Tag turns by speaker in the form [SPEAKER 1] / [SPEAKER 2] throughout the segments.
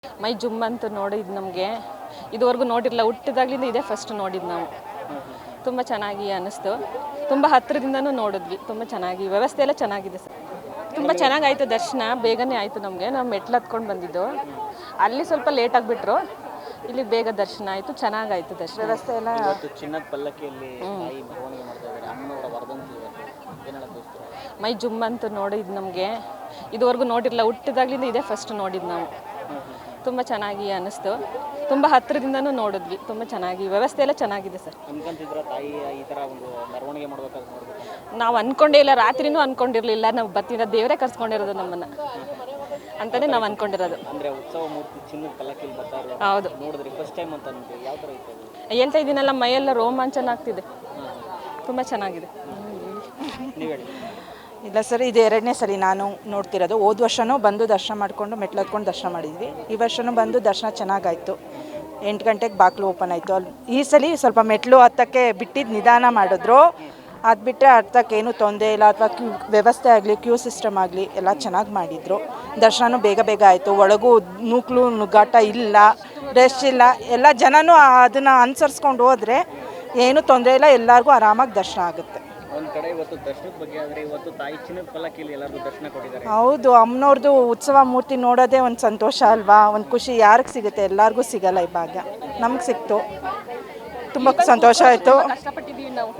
[SPEAKER 1] ಮೈ ಜುಮ್ ಅಂತ ನೋಡಿದ್ದು ನಮಗೆ ಇದುವರೆಗೂ ನೋಡಿರಲಿಲ್ಲ. ಹುಟ್ಟಿದಾಗಲಿಂದ ಇದೇ ಫಸ್ಟ್ ನೋಡಿದ್ದು ನಾವು. ತುಂಬ ಚೆನ್ನಾಗಿ ಅನ್ನಿಸ್ತು. ತುಂಬ ಹತ್ತಿರದಿಂದನೂ ನೋಡಿದ್ವಿ. ತುಂಬ ಚೆನ್ನಾಗಿ ವ್ಯವಸ್ಥೆ ಎಲ್ಲ ಚೆನ್ನಾಗಿದೆ ಸರ್. ತುಂಬ ಚೆನ್ನಾಗಾಯಿತು ದರ್ಶನ. ಬೇಗನೆ ಆಯಿತು ನಮಗೆ. ನಾವು ಮೆಟ್ಲು ಹತ್ಕೊಂಡು ಬಂದಿದ್ದು. ಅಲ್ಲಿ ಸ್ವಲ್ಪ ಲೇಟಾಗಿ ಬಿಟ್ಟರು. ಇಲ್ಲಿ ಬೇಗ ದರ್ಶನ ಆಯಿತು. ಚೆನ್ನಾಗಾಯಿತು ದರ್ಶನ. ವ್ಯವಸ್ಥೆ ಎಲ್ಲ
[SPEAKER 2] ಚಿನ್ನದ ಪಲ್ಲಕ್ಕಿಯಲ್ಲಿ ಮೆರವಣಿಗೆ ಮಾಡ್ತಾ ಇದ್ದಾರೆ. ಅಮ್ಮನವರ ವರ್ಧಂತಿ
[SPEAKER 1] ಮೈ ಜುಮ್ ಅಂತ ನೋಡಿದ್ದು ನಮಗೆ ಇದುವರೆಗೂ ನೋಡಿರಲಿಲ್ಲ. ಹುಟ್ಟಿದಾಗಲಿಂದ ಇದೇ ಫಸ್ಟ್ ನೋಡಿದ್ದು ನಾವು. ತುಂಬ ಚೆನ್ನಾಗಿ ಅನ್ನಿಸ್ತು. ತುಂಬ ಹತ್ತಿರದಿಂದನೂ ನೋಡಿದ್ವಿ. ತುಂಬ ಚೆನ್ನಾಗಿ ವ್ಯವಸ್ಥೆ ಎಲ್ಲ ಚೆನ್ನಾಗಿದೆ ಸರ್.
[SPEAKER 2] ಅನ್ಕೊಂತಿದ್ರ ತಾಯಿ ಈ ಥರ ಒಂದು ಮೆರವಣಿಗೆ ಮಾಡ್ಬೇಕಾದ್ರೆ
[SPEAKER 1] ನಾವು ಅಂದ್ಕೊಂಡೇ ಇಲ್ಲ. ರಾತ್ರಿನೂ ಅಂದ್ಕೊಂಡಿರಲಿಲ್ಲ. ನಾವು ಬರ್ತಿದ್ದ ದೇವರೇ ಕರ್ಸ್ಕೊಂಡಿರೋದು ನಮ್ಮನ್ನು ಅಂತಲೇ ನಾವು ಅಂದ್ಕೊಂಡಿರೋದು.
[SPEAKER 2] ಅಂದರೆ ಉತ್ಸವ ಮೂರ್ತಿ ಚಿನ್ನದ ಪಲ್ಲಕ್ಕಿಯಲ್ಲಿ ಬರ್ತಾರೆ.
[SPEAKER 1] ಹೌದು,
[SPEAKER 2] ನೋಡಿದ್ರಿ ಫಸ್ಟ್ ಟೈಮ್ ಅಂತ ಅಂದ್ಬಿಟ್ಟು ಯಾವ ಥರ ಇತ್ತು?
[SPEAKER 1] ಹೇಳ್ತಾ ಇದ್ದೀನಲ್ಲ, ಮೈಯೆಲ್ಲ ರೋಮಾಂಚನ ಆಗ್ತಿದೆ. ತುಂಬ ಚೆನ್ನಾಗಿದೆ.
[SPEAKER 2] ನೀವು ಹೇಳಿ.
[SPEAKER 3] ಇಲ್ಲ ಸರ್, ಇದು ಎರಡನೇ ಸರಿ ನಾನು ನೋಡ್ತಿರೋದು. ಹೋದ ವರ್ಷವೂ ಬಂದು ದರ್ಶನ ಮಾಡಿಕೊಂಡು ಮೆಟ್ಲು ಹತ್ಕೊಂಡು ದರ್ಶನ ಮಾಡಿದ್ವಿ. ಈ ವರ್ಷವೂ ಬಂದು ದರ್ಶನ ಚೆನ್ನಾಗಾಯಿತು. 8 ಗಂಟೆಗೆ ಬಾಗಿಲು ಓಪನ್ ಆಯಿತು. ಅಲ್ಲಿ ಈ ಸಲ ಸ್ವಲ್ಪ ಮೆಟ್ಲು ಹತ್ತಕ್ಕೆ ಬಿಟ್ಟಿದ್ದು ನಿಧಾನ ಮಾಡಿದ್ರು. ಅದು ಬಿಟ್ಟರೆ ಹತ್ತಕ್ಕೇನು ತೊಂದರೆ ಇಲ್ಲ. ಅಥವಾ ವ್ಯವಸ್ಥೆ ಆಗಲಿ, ಕ್ಯೂ ಸಿಸ್ಟಮ್ ಆಗಲಿ ಎಲ್ಲ ಚೆನ್ನಾಗಿ ಮಾಡಿದರು. ದರ್ಶನವೂ ಬೇಗ ಬೇಗ ಆಯಿತು. ಒಳಗೂ ನೂಕ್ಲು ನುಗ್ಗಾಟ ಇಲ್ಲ, ರಶ್ ಇಲ್ಲ. ಎಲ್ಲ ಜನನೂ ಅದನ್ನು ಅನುಸರಿಸ್ಕೊಂಡು ಹೋದರೆ ಏನೂ ತೊಂದರೆ ಇಲ್ಲ. ಎಲ್ಲರಿಗೂ ಆರಾಮಾಗಿ ದರ್ಶನ ಆಗುತ್ತೆ.
[SPEAKER 2] ಒಂದು ಕಡೆ ಇವತ್ತು ದರ್ಶನದ ಬಗ್ಗೆ ಆದರೆ ಇವತ್ತು ತಾಯಿ ಚಿನ್ನದ ಪಲ್ಲಕ್ಕಿಯಲ್ಲಿ ಎಲ್ಲರಿಗೂ ದರ್ಶನ ಕೊಟ್ಟಿದ್ದಾರೆ.
[SPEAKER 3] ಹೌದು, ಅಮ್ಮನವ್ರದ್ದು ಉತ್ಸವ ಮೂರ್ತಿ ನೋಡೋದೇ ಒಂದು ಸಂತೋಷ ಅಲ್ವಾ, ಒಂದು ಖುಷಿ. ಯಾರಿಗೆ ಸಿಗುತ್ತೆ? ಎಲ್ಲರಿಗೂ ಸಿಗಲ್ಲ ಈ ಭಾಗ್ಯ. ನಮ್ಗೆ ಸಿಕ್ತು. ತುಂಬ ಸಂತೋಷ ಆಯಿತು.
[SPEAKER 1] ಕಷ್ಟಪಟ್ಟಿದ್ದೀವಿ ನಾವು.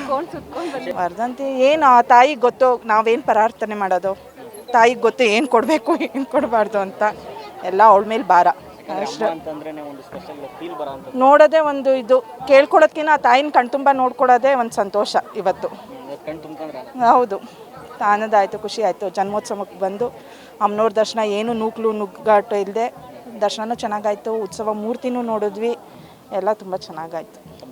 [SPEAKER 3] ವರ್ಧಂತಿ ಏನು ಆ ತಾಯಿಗೆ ಗೊತ್ತು. ನಾವೇನು ಪ್ರಾರ್ಥನೆ ಮಾಡೋದು, ತಾಯಿಗೆ ಗೊತ್ತು ಏನು ಕೊಡಬೇಕು ಏನು ಕೊಡಬಾರ್ದು ಅಂತ. ಎಲ್ಲ ಅವಳ ಮೇಲೆ ಭಾರ ಅಷ್ಟೇ.
[SPEAKER 2] ಒಂದು ಸ್ಪೆಷಲ್ ಫೀಲ್ ಬರೋ ಅಂತ
[SPEAKER 3] ನೋಡೋದೇ ಒಂದು ಇದು. ಕೇಳ್ಕೊಳೋದ್ಕಿಂತ ಆ ತಾಯಿನ ಕಣ್ತುಂಬ ನೋಡ್ಕೊಳೋದೇ ಒಂದು ಸಂತೋಷ ಇವತ್ತು.
[SPEAKER 2] ಕಣ್ ತುಂಬ್ಕೊಂಡ್ರೆ
[SPEAKER 3] ಹೌದು, ಆನಂದ ಖುಷಿ ಆಯಿತು. ಜನ್ಮೋತ್ಸವಕ್ಕೆ ಬಂದು ಅಮ್ಮನವ್ರ ದರ್ಶನ ಏನು ನೂಕ್ಲು ನುಗ್ಗಾಟು ಇಲ್ಲದೆ ದರ್ಶನವೂ ಚೆನ್ನಾಗಾಯಿತು. ಉತ್ಸವ ಮೂರ್ತಿನೂ ನೋಡಿದ್ವಿ. ಎಲ್ಲ ತುಂಬ ಚೆನ್ನಾಗಾಯಿತು.